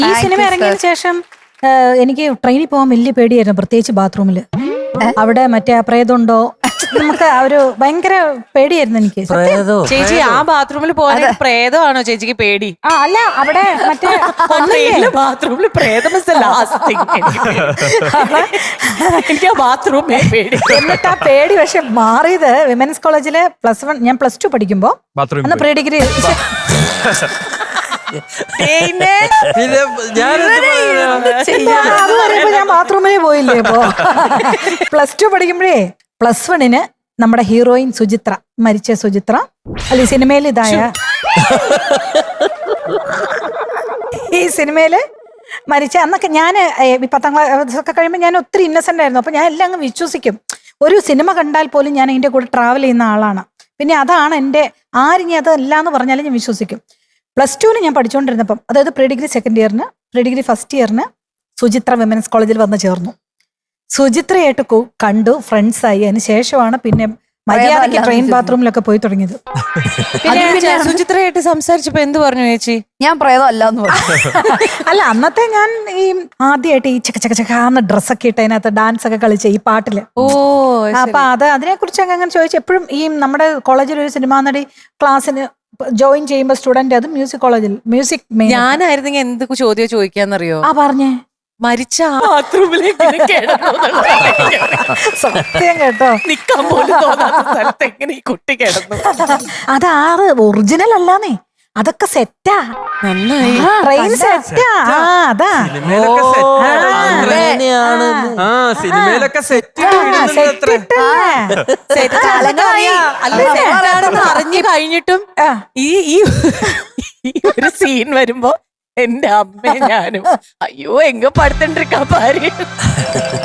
ഈ സിനിമ ഇറങ്ങിയതിനു ശേഷം എനിക്ക് ട്രെയിനിൽ പോകാൻ വലിയ പേടിയായിരുന്നു, പ്രത്യേകിച്ച് ബാത്റൂമില്. അവിടെ മറ്റേ പ്രേതമുണ്ടോ, നമുക്ക് ഒരു ഭയങ്കര പേടിയായിരുന്നു എനിക്ക്. ചേച്ചി ആ ബാത്റൂമിൽ പോകാൻ പ്രേതമാണോ ചേച്ചിക്ക് പേടി? അല്ല, അവിടെ മറ്റേ ബാത്റൂമിൽ പ്രേതം എനിക്ക് ആ ബാത്റൂമേ പേടി. എന്നിട്ട് ആ പേടി പക്ഷെ മാറിയത് വിമൻസ് കോളേജില് ഞാൻ +2 പഠിക്കുമ്പോ, അന്ന് പ്രീ ഡിഗ്രി ഞാൻ ബാത്റൂമിലേ പോയില്ലേ. ഇപ്പോ +2 പഠിക്കുമ്പോഴേ +1 നമ്മുടെ ഹീറോയിൻ സുചിത്ര, മരിച്ച സുചിത്ര അല്ല ഈ സിനിമയിൽ ഇതായ ഈ സിനിമയില് മരിച്ച അന്നൊക്കെ ഞാൻ 10ാം ക്ലാസ് ഒക്കെ കഴിയുമ്പോൾ ഞാൻ ഒത്തിരി ഇന്നസെന്റ് ആയിരുന്നു. അപ്പൊ ഞാൻ എല്ലാം അങ്ങ് വിശ്വസിക്കും. ഒരു സിനിമ കണ്ടാൽ പോലും ഞാൻ അതിന്റെ കൂടെ ട്രാവൽ ചെയ്യുന്ന ആളാണ്. പിന്നെ അതാണ് എൻ്റെ ആരിഞ്ഞി അതല്ല എന്ന് പറഞ്ഞാലും ഞാൻ വിശ്വസിക്കും. +2 ഞാൻ പഠിച്ചുകൊണ്ടിരുന്നപ്പം, അതായത് പ്രീ ഡിഗ്രി സെക്കൻഡ് ഇയറിന്, പ്രീ ഡിഗ്രി ഫസ്റ്റ് ഇയറിന് സുചിത്ര വിമൻസ് കോളേജിൽ വന്ന് ചേർന്നു. സുചിത്രയായിട്ട് കണ്ടു, ഫ്രണ്ട്സായി. അതിന് ശേഷമാണ് പിന്നെ മര്യാദയ്ക്ക് ട്രെയിൻ ബാത്റൂമിലൊക്കെ പോയി തുടങ്ങിയത്. പിന്നെ സുചിത്രയായിട്ട് സംസാരിച്ചപ്പോ എന്ത് പറഞ്ഞു ചേച്ചി? ഞാൻ പ്രേതം അല്ലാന്ന് പറഞ്ഞു. അല്ല, അന്നത്തെ ഞാൻ ഈ ആദ്യമായിട്ട് ഈ ചക്കാന്ന് ഡ്രസ്സൊക്കെ ഇട്ട് അതിനകത്ത് ഡാൻസ് ഒക്കെ കളിച്ച ഈ പാട്ടില്. അപ്പൊ അതിനെ കുറിച്ച് അങ്ങനെ ചോദിച്ചു. എപ്പോഴും ഈ നമ്മുടെ കോളേജിൽ ഒരു സിനിമാ നടി ക്ലാസ്സിന് ജോയിൻ ചെയ്യുമ്പോ സ്റ്റുഡന്റ്, അത് മ്യൂസിക് കോളേജിൽ മ്യൂസിക്. ഞാനായിരുന്നെങ്കിൽ എന്ത് ചോദ്യം ചോദിക്കാന്നറിയോ? പറഞ്ഞേ, മരിച്ച ബാത്റൂമിലേക്ക് സത്യം കേട്ടോ, നിക്കാൻ പോലും തോന്നാത്ത സ്ഥലത്ത് എങ്ങനെ ഈ കുട്ടി കിടന്നു? അതാറ് ഒറിജിനൽ അല്ലാന്നേ, അതൊക്കെ സെറ്റാ. നന്നായി, ട്രെയിൻ സെറ്റാ. അതാ സിനിമയിലൊക്കെ അറിഞ്ഞു കഴിഞ്ഞിട്ടും ഈ ഒരു സീൻ വരുമ്പോ എന്റെ അമ്മ ഞാനും അയ്യോ എങ്ക പടുത്തിട്ടിരിക്കാ പാര്.